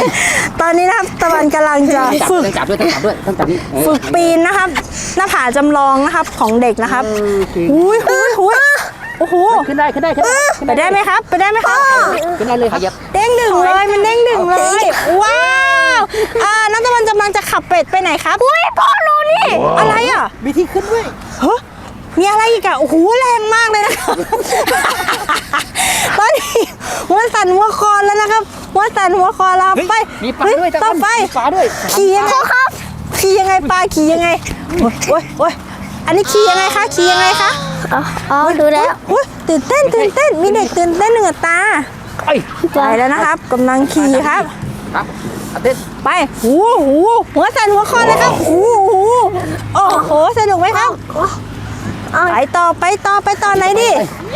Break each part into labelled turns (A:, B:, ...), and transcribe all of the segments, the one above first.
A: ตอนนี้นะครับตะวันกำลังจะฝึก
B: ต้องจับนี่
A: ฝึกปีนนะครับหน้าผาจำลองนะครับของเด็กนะครับหุยโอ้โห
B: ขึ้นได้
A: ไปได้ไหมครับไปได้ไหมครับ
B: ขึ้นได้เลยครับ
A: เด้งดึงเลยมันเด้งดึงเลยว้าวน้องตะวันกำลังจะขับเป็ดไปไหนครับอุ้ยพ่อรู้นี่อะไรอ่ะ
B: มีที่ขึ้นด้วย
A: เฮ้ยมีอะไรอีกอะโอ้โหแรงมากเลยนะครับตอนนี้หัวสั่นหัวคอแล้วนะครับหัวสั่นหัวคอแล้วไป
B: มีปลาด้วย
A: ต่อไป
B: มีปลาด้วย
A: ขี่ยังไงครับขี่ยังไงปลาขี่ยังไงโอ้ยอันนี้ขี่ยังไงคะขี่ยังไงคะ
C: อ๋อดูแล้ว
A: ตื่นเต้นมีเด็กตื่นเต้นเหนือตาไปแล้วนะครับกำลังขี่ครับไปหัวสั่นหัวคอเลยครับโอ้โหสนุกไหมครับไปต่อไหนดิ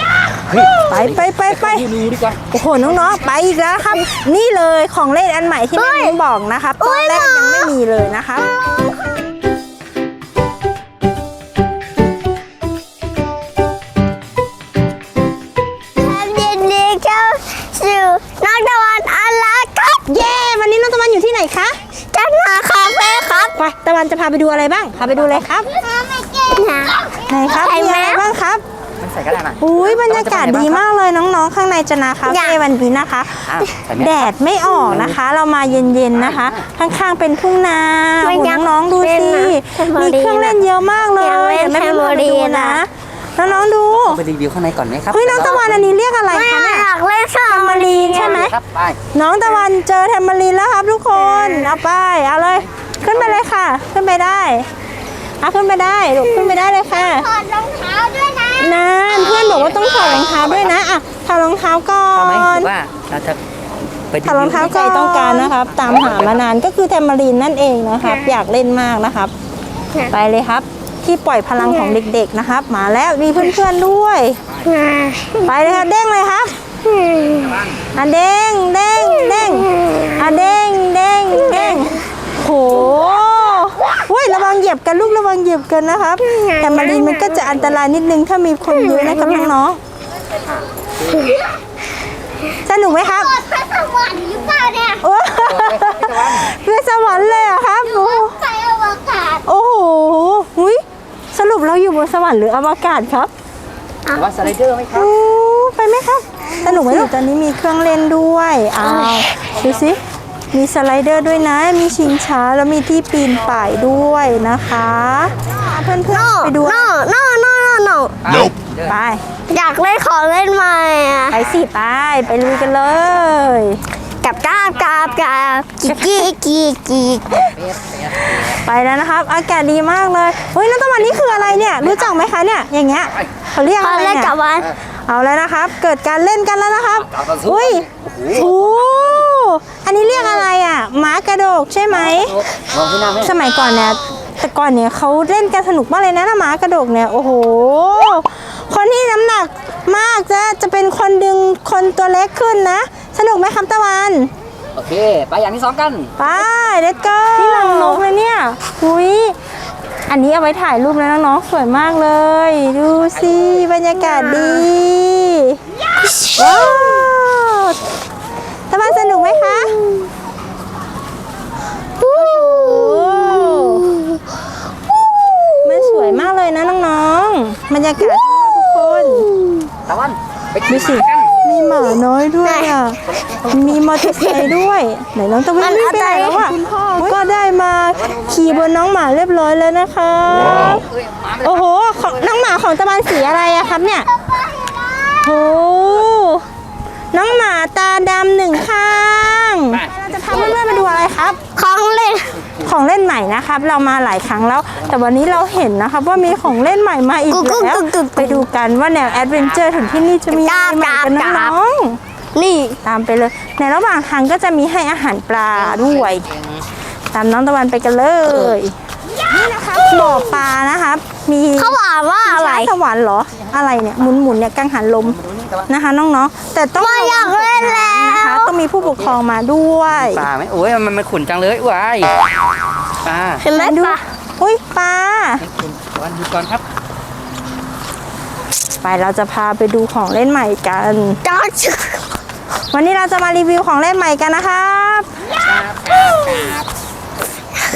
A: ไปโอ้โหน้องๆไปอีกแล้วครับนี่เลยของเล่นอันใหม่ที่แม่มิ้งบอกนะครับตอนแรกยังไม่มีเลยนะครับ
C: น้องตะวันอันละครับ
A: เย้วันนี้น้องตะวันอยู่ที่ไหนคะ
C: จันนาคาเฟ่ครับ
A: ไปตะวันจะพาไปดูอะไรบ้างพาไปดูเลยครับ ไหนครับมีอะไรบ้างครับอุ้ยบรรยากาศดีมากเลยน้องๆข้างในจนาคาเฟ่วันนี้นะคะแดดไม่ออกนะคะเรามาเย็นๆนะคะข้างๆเป็นทุ่งนาน้องๆดูสิมีเครื่องเล่นเยอะมากเลยแม่ไปดูนะแล้วน้องดู
B: ไปรีวิวข้างในก่อนไหมครับ
A: เฮ้ยน้องตะวันอันนี้เรียกอะไรคะเนี่ย
C: อยากเล่นแทมโบลีน
A: ใช่ไหมน้องตะวันเจอแทมโบลีนแล้วครับทุกคนเอาไปเอาเลยขึ้นไปเลยค่ะขึ้นไปได้ขึ้นไปได้ลูกขึ้นไปได้เลยค่ะ
C: ถอดรองเท้าด้วยนะ
A: เพื่อนบอกว่าต้องถอดรองเท้าด้วยนะถอดรองเท้าก่อน
B: ว่าเราจะ
A: ถอดรองเท้าก่อนต้องการนะครับตามหามานานก็คือแทมโบลีนนั่นเองนะครับอยากเล่นมากนะครับไปเลยครับที่ปล่อยพลังของเด็กๆนะครับมาแล้วมีเพื่อนๆด้วยไปเลยครับเด้งเลยครับเด้งเด้งโหระวังเหยียบกันลูกระวังเหยียบกันนะครับแต่มารีนมันก็จะอันตรายนิดนึงถ้ามีคนเยอะนะครับน้องๆสนุกไหมครับ
C: ไปสวรรค์หรือเปล่าเนี่ย
A: ไปสวรรค์เลยอะครับ
C: ไปอวกาศ
A: โอ้โหสรุปเราอยู่บนสวรรค์หรืออวกาศครับ
B: ว่าสไลเดอร์ไหมครับ
A: ไปไหมครับสนุกไหมลูกตอนนี้มีเครื่องเล่นด้วยดูสิมีสไลเดอร์ด้วยนะมีชิงช้าแล้วมีที่ปีนป่ายด้วยนะคะเพื่อนๆไปดูไป
C: อยากเล่นของเล่นใหม่
A: ไปสิไปลุยกันเลย
C: กับกี
A: ไปแล้วนะครับอากาศดีมากเลยเฮ้ยน้องตะวันนี่คืออะไรเนี่ยรู้จักไหมคะเนี่ยอย่างเงี้ยเขาเรียกอะไรเนี่ยเอาแล้วนะครับเกิดการเล่นกันแล้วนะครับอันนี้เรียกอะไรม้ากระโดดใช่ไหมสมัยก่อนเนี่ยแต่ก่อนเนี่ยเขาเล่นกันสนุกมากเลยนะม้ากระโดดเนี่ยโอ้โหคนที่น้ำหนักมากจะเป็นคนดึงคนตัวเล็กขึ้นนะสนุกไหมครับตะวัน
B: โอเคไปอย่างที่2กัน
A: ไปเด็ดก็ที่รังนกเลยเนี่ยอันนี้เอาไว้ถ่ายรูปนะน้องๆสวยมากเลยดูสิบรรยากาศดีว้าวตะวันสนุกไหมคะมันสวยมากเลยนะน้องๆบรรยากาศทุกคน
B: ตะวันไป
A: ดูสิมีหมาน้อยด้วยมีมอเตอร์ไซค์ด้วยไหนน้องตะวันไม่ไปไหนแล้วคุณพ่อก็ได้มาขี่บนน้องหมาเรียบร้อยแล้วนะคะโอ้โหน้องหมาของตะวันสีอะไรครับเนี่ยโอ้น้องหมาตาดำ1 ข้างเราจะพาเพื่อนๆมาดูอะไรครับของเล่นใหม่นะครับเรามาหลายครั้งแล้วแต่วันนี้เราเห็นนะครับว่ามีของเล่นใหม่มาอีกแล้วไปดูกันว่าแนวแอดเวนเจอร์ถึงที่นี่จะมีอะไรใหม่กันน้องนี่ตามไปเลยในระหว่างทางก็จะมีให้อาหารปลาด้วยตามน้องตะวันไปกันเลยนี่นะครับบ่อปลานะครับมี
C: เขาบอกว่าอะไร
A: สวรรค์เหรออะไรเนี่ยหมุนเนี่ยกังหันลมนะคะน้องๆแต่ต้อง
C: อยากเล่นแล้ว
A: นะคะต้องมีผู้ปกครองมาด้วย
B: ปลาไหมโอ้ยมันขุ่นจังเลยว้ายปลา
C: เห็นไหมปลา
A: ปลา
B: วันดูก่อนครับ
A: ไปเราจะพาไปดูของเล่นใหม่กันวันนี้เราจะมารีวิวของเล่นใหม่กันนะครับ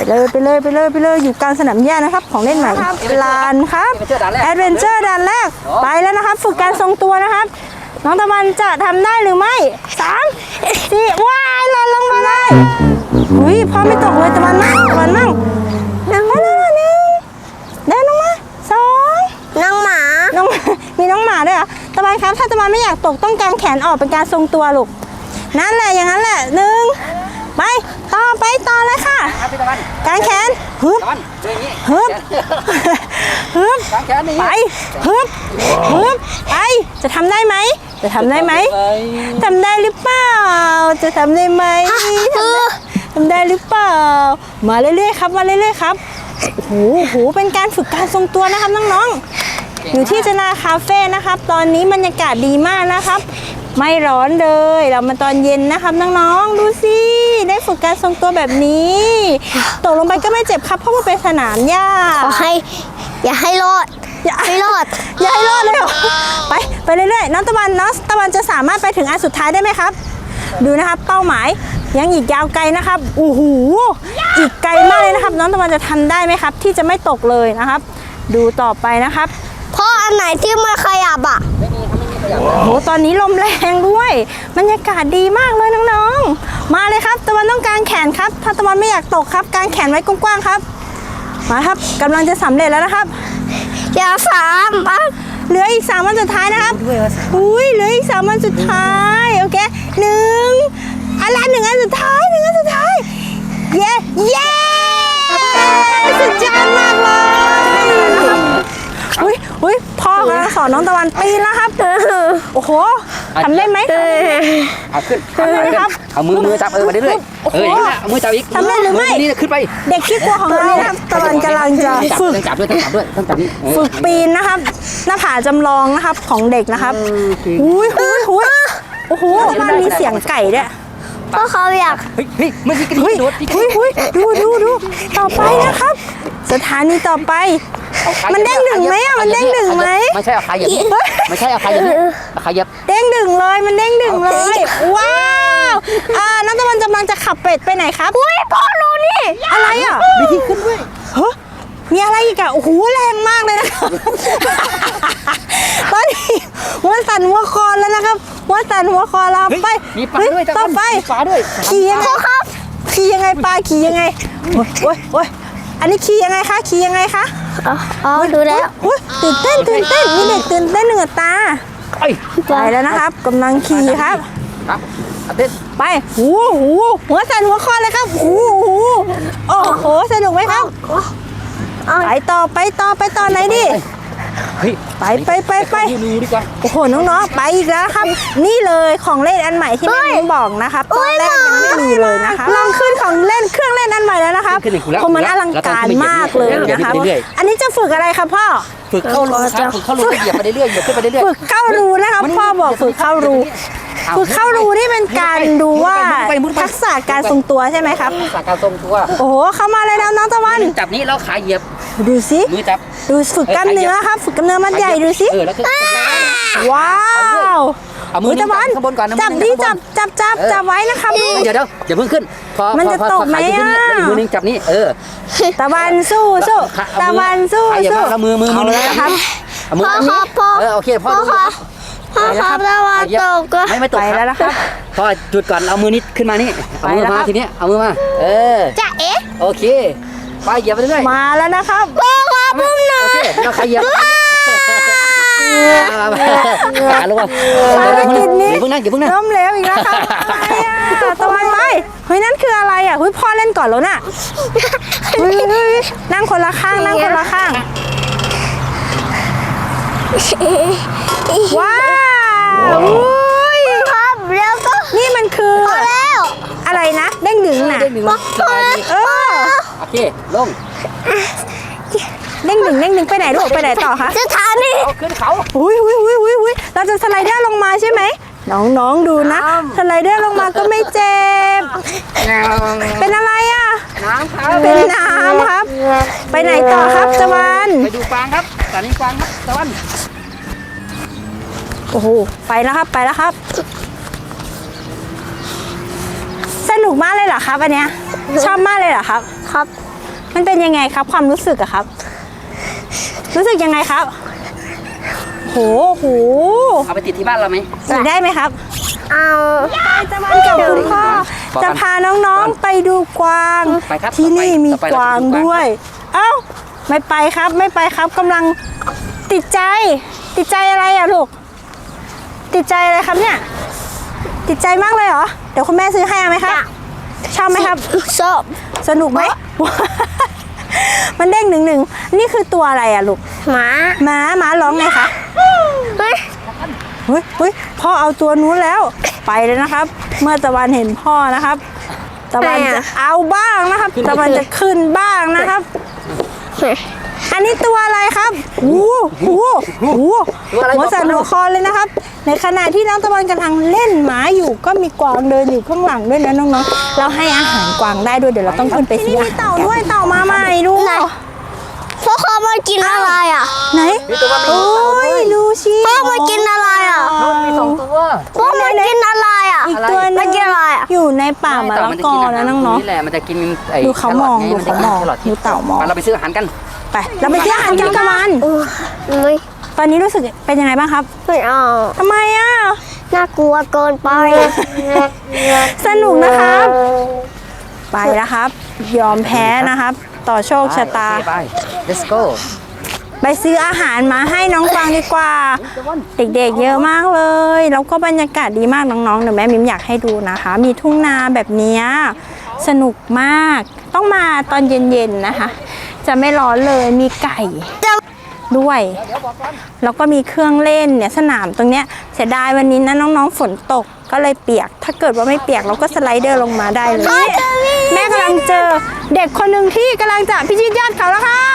A: ไปเลยอยู่กลางสนามหญ้านะครับของเล่นใหม่ลานครับแอดเวนเจอร์ด่านแรกไปแล้วนะครับฝึกการทรงตัวนะครับน้องตะวันจะทำได้หรือไม่3 4ว้ายหล่นลงมาเลยอุ้ยพ่อไม่ตกเลยตะวันมั่งนั่งมาเลย1เดินลงมา2
C: น้องหมา
A: มีน้องหมาด้วยเหรอตะวันครับถ้าตะวันไม่อยากตกต้องกางแขนออกเป็นการทรงตัวลูกนั่นแหละอย่างนั้นแหละ1ไปต่อเลยค่ะ
B: ครับพี่ตะวัน
A: กางแขนฮึบ
B: ตะวันเรื่องนี้
A: ฮึบฮึบ
B: กางแขนนี่
A: ไปฮึบไปจะทำได้ไหมทำได้หรือเปล่าจะทำได้ไหมทำได้หรือเปล่ามาเรื่อยๆครับโอ้โหเป็นการฝึกการทรงตัวนะครับน้องๆอยู่ที่จนาคาเฟ่นะครับตอนนี้บรรยากาศดีมากนะครับไม่ร้อนเลยเรามาตอนเย็นนะครับน้องๆดูสิได้ฝึกการทรงตัวแบบนี้ตกลงไปก็ไม่เจ็บครับเพราะว่าเป็นสนามหญ้า
C: อย่าให้รอด
A: อย่าให้รอดเลยเหรอไปเรื่อยๆน้องตะวันจะสามารถไปถึงอันสุดท้ายได้ไหมครับดูนะครับเป้าหมายยังอีกยาวไกลนะครับโอ้โหอีกไกลมากเลยนะครับน้องตะวันจะทำได้ไหมครับที่จะไม่ตกเลยนะครับ ดูต่อไปนะครับ
C: เพราะอันไหนที่ไม่ขยับอ่ะ
A: โอ้โหตอนนี้ลมแรงด้วยบรรยากาศดีมากเลยน้องๆมาเลยครับตะวันต้องกางแขนครับถ้าตะวันไม่อยากตกครับกางแขนไว้กว้างๆครับมาครับกำลังจะสำเร็จแล้วนะครับ
C: อย่าสามอ่ะ
A: เหลืออีก3 วันสุดท้ายนะครับอุ้ยเหลืออีก3 วันสุดท้ายโอเค1 อันสุดท้ายเย้สุดยอดมากเลยอุ้ยพ่อกำลังสอนน้องตะวันปีนแล้วครับโอ้โหทำได้ไหม
B: เอาขึ้นเอามือจับมาเรื่อยๆอย่างนี้นะเอามือจับอีก
A: ทำได้หรือไม่
B: นี่ขึ้นไป
A: เด็กขี้กลัวของเรานะครับตะวันกำลังจะฝึก
B: ต้องจับนี่
A: ฝึกปีนนะครับหน้าผาจำลองนะครับของเด็กนะครับอุ้ยโอ้โหบ้านมีเสียงไก่ด้วย
C: เพราะเขาอยาก
B: เฮ้ยเมื่อกี้กระดิ่งโดด
A: ดูต่อไปนะครับสถานีต่อไปมันเด้งดึงไหมอ่ะมันเด้งดึงไหม
B: ไม่ใช่เอาขาเหยียบไม่ใช่เอาขาเหยียบเอาขาเหยียบ
A: เด้งดึงเลยมันเด้งดึงเลยว้าวน้องตะวันกำลังจะขับเป็ดไปไหนครับอุ้ยพ่อรู้นี่อะไรอ่ะ
B: มีที่ขึ้นด้วย
A: มีอะไรอีกอะโอ้โหแรงมากเลยนะครับ ตอนนี้หัวสั่นหัวคอแล้วนะครับหัวสั่นหัวคอแล้วไป
B: มีปลาด้วย
A: ต่อไป
B: มีปลาด้วย
A: ขี่ยังไงครับขี่ยังไงปลาขี่ยังไงโอ้ยอันนี้ขี่ยังไงคะ
C: อ๋อดูแล้ว
A: ตื่นเต้นมีเด็กตื่นเต้นเหนือตาไปแล้วนะครับกำลังขี่ครับ
B: ครับเต้น
A: ไปหัวสั่นหัวคอเลยครับโอ้โหสนุกไหมครับไปต่อไหนดิไป
B: ดูดีกว่า
A: โอ้โหน้องๆไปอีกแล้วครับนี่เลยของเล่นอันใหม่ที่แม่นุ้งบอกนะครับตอนแรกยังไม่มีเลยนะคะลองขึ้นของเล่นเครื่องเล่นอันใหม่แล้วนะครับเพราะมันอลังการมากเลยนะคะอันนี้จะฝึกอะไรครับพ่อ
B: ฝึกเข้ารูเหยียบไปเรื่อยๆขึ้นไปเรื่อย
A: ฝึกเข้ารูนะครับพ่อบอกฝึกเข้ารูนี่เป็นการดูว่าทักษะการทรงตัวใช่ไหมครับ
B: ทักษะการทรงตัว
A: โอ้โหเข้ามาเลยแล้วน้องตะวัน
B: จับนี้แล้วขาเหยียบ
A: ดูสิ
B: มือจับ
A: ดูฝึกกล้ามเนื้อครับฝึกกล้ามเนื้อมัดใหญ่ดูสิ
B: แล้วก็
A: ว้าว
B: เอามือตะวันข้างบนก่อน
A: จับดิจับไว้นะครับ
B: เดี๋ยวอย่าเพิ่งขึ้น
A: มันจะตกไหมอ่ะ
B: มือนึงจับนี่
A: ตะวันสู้ตะวันสู้
B: แล้วมือ
A: นะครับ
B: เอามือโอเคพ่อดู
C: พ่อครับตะวันตกก็
B: ไม่ตก
A: ไปแล้วนะครับ
B: พ่อจุดก่อนเอามือนี้ขึ้นมานี่เอามือมาทีนี้เอามือมา
C: จะเอ๊ะ
B: โอเคไปเหยียบไปเรื่อย
A: มาแล้วนะครับ
C: พ่อครับพุ่งหน่อ
B: โอเค
C: ย
B: เราขยับขาลงมา
A: ภารกิจนี้
B: อย่าเพิ่งนั่ง
A: ล้มเหลวอีกแล้วครับตะวันไปเฮ้ยนั่นคืออะไรอ่ะพ่อเล่นก่อนแล้วน่ะนั่งคนละข้างว้าว
C: ครับแล้วก็
A: นี่มันคือ
C: พอแล้ว
A: อะไรนะเด้งดึงน่ะ
B: เด้งหนึ่งสบายดีโอเคลง
A: เด้งดึงไปไหนลูกไปไหนต่อคะ
C: สถานี
B: เอาขึ้นเขา
A: อุ้ยเราจะสไลเดอร์ลงมาใช่ไหมน้องดูนะสไลเดอร์ลงมาก็ไม่เจ็บเป็นอะไรอ่ะ
B: น้ำครับ
A: เป็นน้ำครับ ไปไหนต่อครับตะวัน
B: ไปดูกวางครับสถานีกวางครับตะวัน
A: โอ้โหไปแล้วครับ สนุกมากเลยเหรอครับอันเนี้ยชอบมากเลยเหรอครับ
C: ครับ
A: มันเป็นยังไงครับ ความรู้สึกอะครับ รู้สึกยังไงครับโห
B: เอาไปติดที่บ้านเราไหม
A: อยากได้ไหมครับ
C: เอา
A: ตะวันกับคุณพ่อจะพาน้องๆไปดูกวาง
B: ไปครับ
A: ที่นี่มี
B: ต่อไป
A: กวาง
B: เราจะดูกวาง
A: ด้วย เอ้าไม่ไปครับไม่ไปครับกำลังติดใจอะไรอะลูกติดใจอะไรครับเนี่ยติดใจมากเลยเหรอเดี๋ยวคุณแม่ซื้อให้เอาไหมครับชอบไหมครับ
C: ชอบ
A: สนุกไหม มันเด้งหนึ่งนี่คือตัวอะไรอะลูก
C: หมา
A: หมาร้องไงคะ
C: เฮ้ย
A: เฮ้ยพ่อเอาตัวนู้นแล้วไปเลยนะครับ เมื่อตะวันเห็นพ่อนะครับ ตะวันจะเอาบ้างนะครับ ตะวันจะขึ้นบ้างนะครับ อันนี้ตัวอะไรครับหัวสั่นหัวคอเลยนะครับ ในขณะที่น้องตะวันกำลังเล่นหมาอยู่ก็มีกวางเดินอยู่ข้างหลังด้วยนะน้องๆเราให้อาหารกวางได้ด้วยเดี๋ยวเราต้องขึ้นไปซื้อมีเต่าด้วยเต่ามาใหม่ดู
C: พ่อเขามากินอะไรอ่ะ
A: ไหน
B: มีตัวมันมี
A: โอ้ยดูสิ
C: พ่อมากินอะไรอ่ะ
B: มี2 ตัว
C: พ่อมากินอะไรอ่ะ
A: อีกตัวหนึ
C: มาง กินอะไรอ่ะ
A: อยู่ในป่ามะละกอแล้วน้อง
B: นี่แหละมันจะกินไอ้
A: ดูเขามอง
B: แคร
A: ดู
B: ทไ
A: เขามอง
B: นจะกินแครท
A: ดูเต่ามอง
B: ไปเราไปซื้ออาหารกัน
A: ๆไปเราไปซื้ออาหารกันตะวัน
C: ไม่
A: ตอนนี้รู้สึกเป็นยังไงบ้างครับ
C: ไม่เอา
A: ทำไมอ่ะ
C: น่ากลัวเกินไป
A: สนุกนะครับ ไปแล้วครับ ยอมแพ้นะครับ ต่อโชคชะตา
B: โอเคไป let's go
A: ไปซื้ออาหารมาให้น้องกวางดีกว่า เด็กๆเยอะมากเลย แล้วก็บรรยากาศดีมากน้องๆเดี๋ยวแม่มิมอยากให้ดูนะคะ มีทุ่งนาแบบเนี้ยสนุกมาก ต้องมาตอนเย็นๆนะคะ จะไม่ร้อนเลยมีไก่ด้วย แล้วก็มีเครื่องเล่นเนี่ยสนามตรงเนี้ยเสียดายวันนี้นะน้องๆฝนตกก็เลยเปียก ถ้าเกิดว่าไม่เปียกเราก็สไลเดอร์ลงมาได้เลย แม่กำลังเจอเด็กคนหนึ่งที่กำลังจะพิชิตยอดเขาแล้วครับ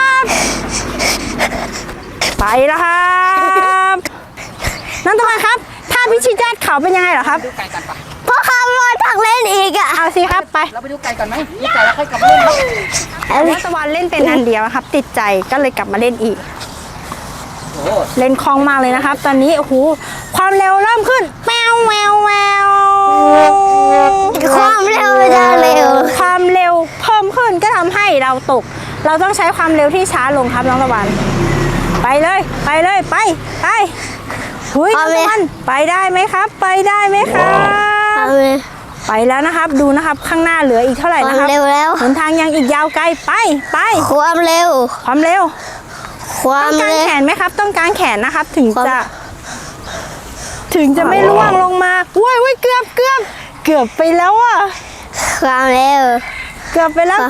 A: ไปแล้วครับน้องตะวันครับ ถ้าพิชิตยอดเขาเป็นยังไงเหรอครับ
B: ดูไก่กันปะ
C: พ่อเขามาตักเล่นอีกอ่ะ
A: เอาสิครับไป
B: เราไปดูไก่ก่อนไหมมีไก่แล้วค่อยกลับมาเล่นครับ
A: น้องตะวันเล่นเป็นอันเดียวครับ ติดใจก็เลยกลับมาเล่นอีก
B: โอ้
A: เล่นคล่องมากเลยนะครับ ตอนนี้โอ้โหความเร็วเริ่มขึ้นแวว
C: ความเร็วจะเร็ว
A: ความเร็วเพิ่มขึ้นก็ทำให้เราตก เราต้องใช้ความเร็วที่ช้าลงครับน้องตะวัน ไปเลยไปหุยน้องตะวันไปได้ไหมครับ ไปได้ไหมครับ
C: ความเร็ว
A: ไปแล้วนะครับดูนะครับข้างหน้าเหลืออีกเท่าไหร่
C: ควา
A: นะ
C: ม
A: ครับ
C: เร็วแล้ว
A: หนทางยังอีกยาวไกลไป
C: ความเร็ว
A: ความเร็ว
C: ควา
A: ต้
C: ม
A: องกาง
C: เร็ว
A: แขนไหมครับ ต้องกางแขนนะครับ ถึง
C: ความ
A: จะไม่ร่วงลงมาว้ยเกือบไปแล้วอ่ะ
C: ความเร็ว
A: เกือบไปแล้ว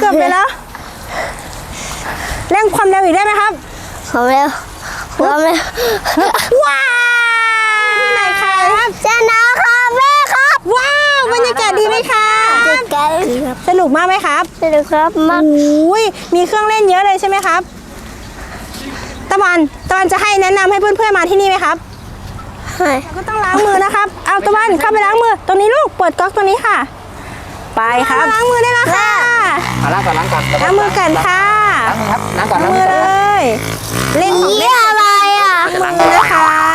A: เร่งความเร็วอีกได้ไหมครับ
C: ความเร็วความเร็ว
A: ว้าวที่ไหนครับ
C: ชนะครับแม่ครับ
A: ว้าวบรรยากาศดีไหมคะ
C: จุดกันครับ
A: สนุกมากไหมครับ
C: สนุกครับมาก
A: อุ้ยมีเครื่องเล่นเยอะเลยใช่ไหมครับตะวันจะให้แนะนำให้เพื่อนๆมาที่นี่ไหมครับ
C: ให้
A: ก็ต้องล้างมือนะครับ เอาตะวันเข้าไปล้างมือ ตรงนี้ลูก เปิดก๊อกตรงนี้ค่ะ ไปครับ ล้างมือได้แล้วค่ะ
B: เอาล้างก่อน
A: ล้างมือกันค่ะ
B: ล้างก่อน
A: ล้างมือเลย เล่น
C: นี่อะไรอ่ะ
A: มือนะคะ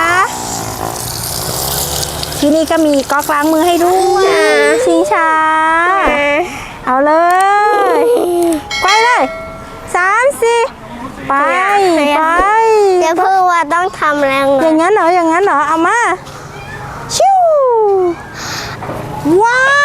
A: ที่นี่ก็มีก๊อกล้างมือให้ด้วยชิงช้า เอาเลยไปเลย3 4ไป
C: เดี๋ยวเพื่อว่าต้องทำแรง
A: อย่างนั้นเหรอ เอามา ชิวว้าว